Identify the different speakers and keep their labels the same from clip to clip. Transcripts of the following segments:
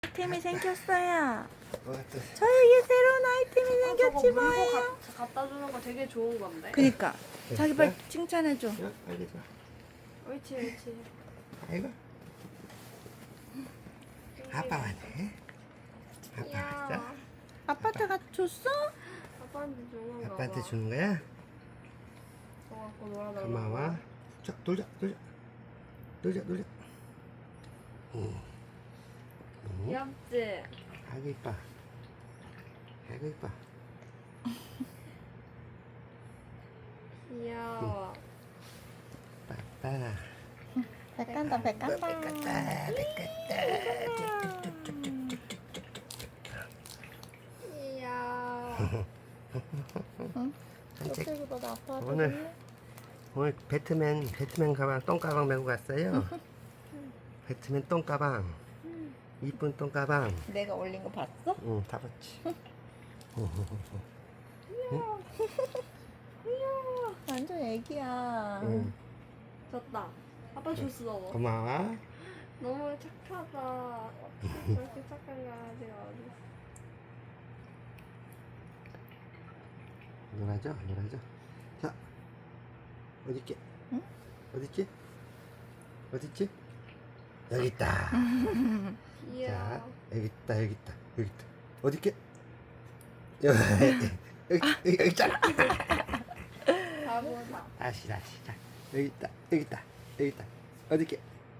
Speaker 1: 아이템이 생겼어요.
Speaker 2: 뭐가 또
Speaker 1: 저에게 새로운 아이템이 생겼지
Speaker 3: 저거 물고
Speaker 1: 뭐예요.
Speaker 3: 갖다 주는 거 되게 좋은 건데.
Speaker 1: 그니까 자기 빨리
Speaker 2: 됐어?
Speaker 1: 칭찬해줘.
Speaker 2: 야, 빨리 줘.
Speaker 3: 옳지, 옳지.
Speaker 2: 아이고. 아빠 왔네. 아빠 왔어?
Speaker 1: 아빠한테 줬어?
Speaker 3: 아빠한테 주는 거.
Speaker 2: 아빠한테 주는 거야?
Speaker 3: 저 갖고 놀아달라고.
Speaker 2: 고마워. 자, 놀자.
Speaker 3: 귀엽지?
Speaker 2: 아이고 이뻐. 아이고 이뻐.
Speaker 3: 귀여워.
Speaker 2: 빠빠.
Speaker 1: 백간다 백간다.
Speaker 3: 귀여워.
Speaker 2: 산책.
Speaker 1: 저쪽보다 아빠한테
Speaker 2: 오늘 배트맨 가방 똥가방 메고 갔어요. 배트맨 똥가방. 이쁜 똥가방.
Speaker 1: 내가 올린 거 봤어?
Speaker 2: 응, 다 봤지.
Speaker 1: 완전 애기야.
Speaker 2: 응.
Speaker 3: 줬다. 아빠 줬어.
Speaker 2: 고마워.
Speaker 3: 너무 착하다. 그렇게 착한 강아지가 어딨어.
Speaker 2: 놀아줘. 자, 어딨지?
Speaker 1: 응?
Speaker 2: 어딨지? 여기 있다.
Speaker 3: 귀여워.
Speaker 2: 자, 여기 있다. 어딨게? 여기 있잖아.
Speaker 3: 바보다.
Speaker 2: 다시. 자, 여기 있다. 어딨게?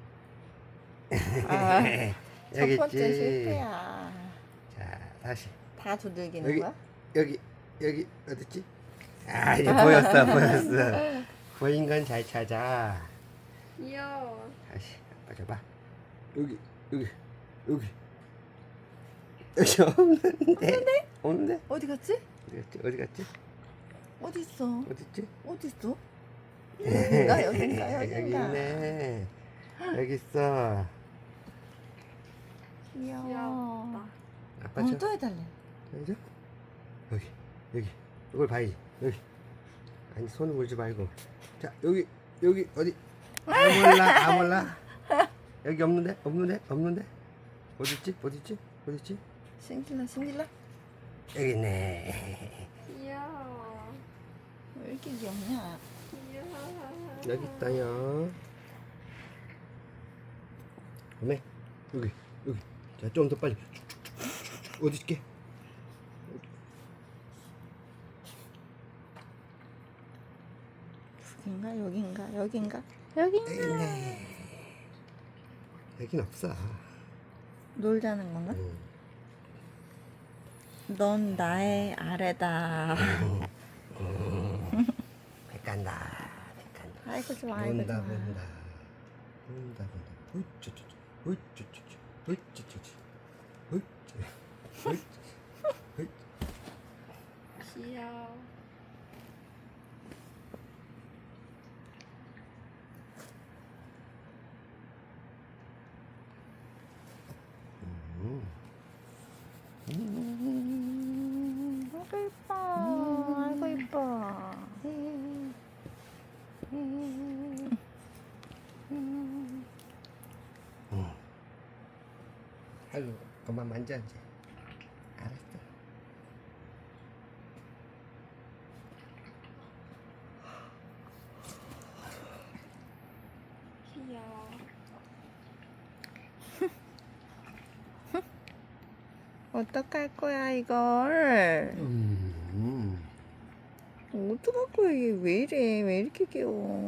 Speaker 1: 아,
Speaker 2: 여기
Speaker 1: 첫 번째
Speaker 2: 있지.
Speaker 1: 실패야.
Speaker 2: 자, 다시.
Speaker 1: 다 두들기는
Speaker 2: 여기.
Speaker 1: 거야?
Speaker 2: 여기 어딨지? 아, 이제 보였어. 보인 건 잘 찾아.
Speaker 3: 귀여워.
Speaker 2: 다시 아빠 줘봐. 여기 없는데?
Speaker 1: 어디 갔지?
Speaker 2: 어디 갔지?
Speaker 1: 어디 있어?
Speaker 2: 어딨지?
Speaker 1: 어디 있어? 여긴가?
Speaker 2: 여기 있네. 여기 있어.
Speaker 1: 귀여워.
Speaker 3: 귀엽다.
Speaker 2: 아빠 줘.
Speaker 1: 또 해달래.
Speaker 2: 여기죠? 여기. 이걸 봐야지. 여기. 아니 손을 물지 말고. 자 여기 어디? 아 몰라. 여기 없는데? 어딨지?
Speaker 1: 신길라.
Speaker 2: 여기 있네.
Speaker 3: 귀여워.
Speaker 1: 왜 이렇게 귀엽냐?
Speaker 3: 귀여워.
Speaker 2: 여기 있다요. 어메 여기. 자 좀 더 빨리. 어디 있게? 여긴가? 있네. 여긴 없어.
Speaker 1: 놀자는 건가?
Speaker 2: 응.
Speaker 1: 넌 나의 아래다.
Speaker 2: 백간다.
Speaker 1: 아이고 좋아.
Speaker 2: 본다.
Speaker 3: 귀여워.
Speaker 1: 아이고 이뻐.
Speaker 2: 아이고 그만 만져 이제. 알았어.
Speaker 3: 귀여워.
Speaker 1: 어떡할 거야 이걸? 어떡할 거야 이게 왜 이래? 왜 이렇게 귀여워?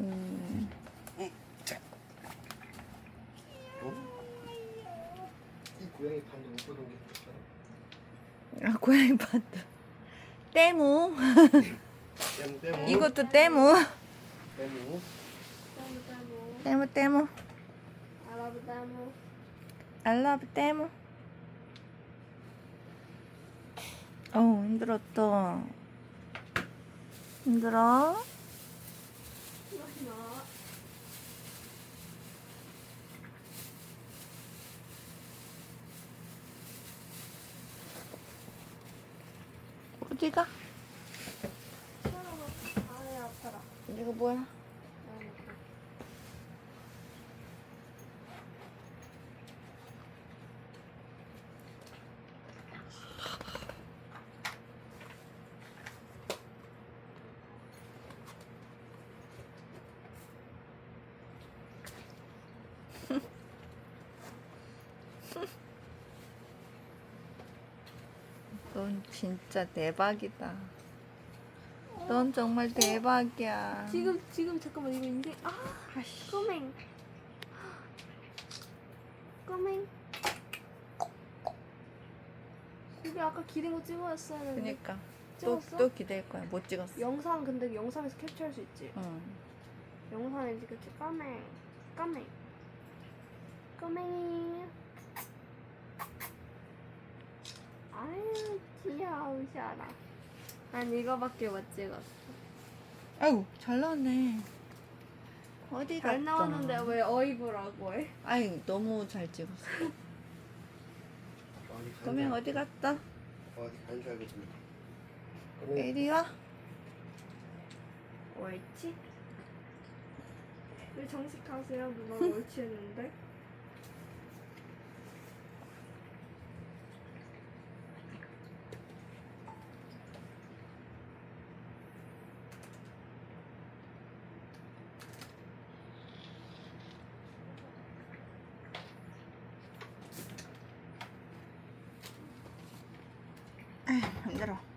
Speaker 2: 이 고양이 판도 못 보던 게 있었어.
Speaker 1: 아 고양이 봤다. 때무.
Speaker 2: 땜.
Speaker 1: 이것도 때무.
Speaker 2: 땜.
Speaker 1: 때무.
Speaker 3: 알아보다모.
Speaker 1: I love 때무. 어우 힘들었다. 힘들어? 어디가?
Speaker 3: 아이 아파라.
Speaker 1: 이거 뭐야? 넌 진짜 대박이다. 넌 정말 대박이야.
Speaker 3: 지금 잠깐만 이거 인생
Speaker 1: 아씨.
Speaker 3: 꼬맹 꼬맹 우리 아까 기린 거 찍어왔어야 했는데
Speaker 1: 그니까 또
Speaker 3: 찍었어?
Speaker 1: 기댈 거야. 못 찍었어.
Speaker 3: 영상 근데 영상에서 캡처할 수 있지
Speaker 1: 응.
Speaker 3: 영상이지 그치 꼬맹 꼬맹 꼬맹이 아유 귀여우셔라 난 이거밖에 못 찍었어
Speaker 1: 아이고 잘 나왔네. 어디 갔어?
Speaker 3: 잘 나왔는데 왜 어이구라고 해?
Speaker 1: 아이 너무 잘 찍었어.
Speaker 2: 어디 간
Speaker 1: 그러면
Speaker 2: 줄
Speaker 1: 어디 갔다?
Speaker 2: 어디 간 줄 알겠네.
Speaker 1: 이리 와.
Speaker 3: 옳지? 왜 정식하세요? 누가 옳지 했는데?
Speaker 1: 힘들어.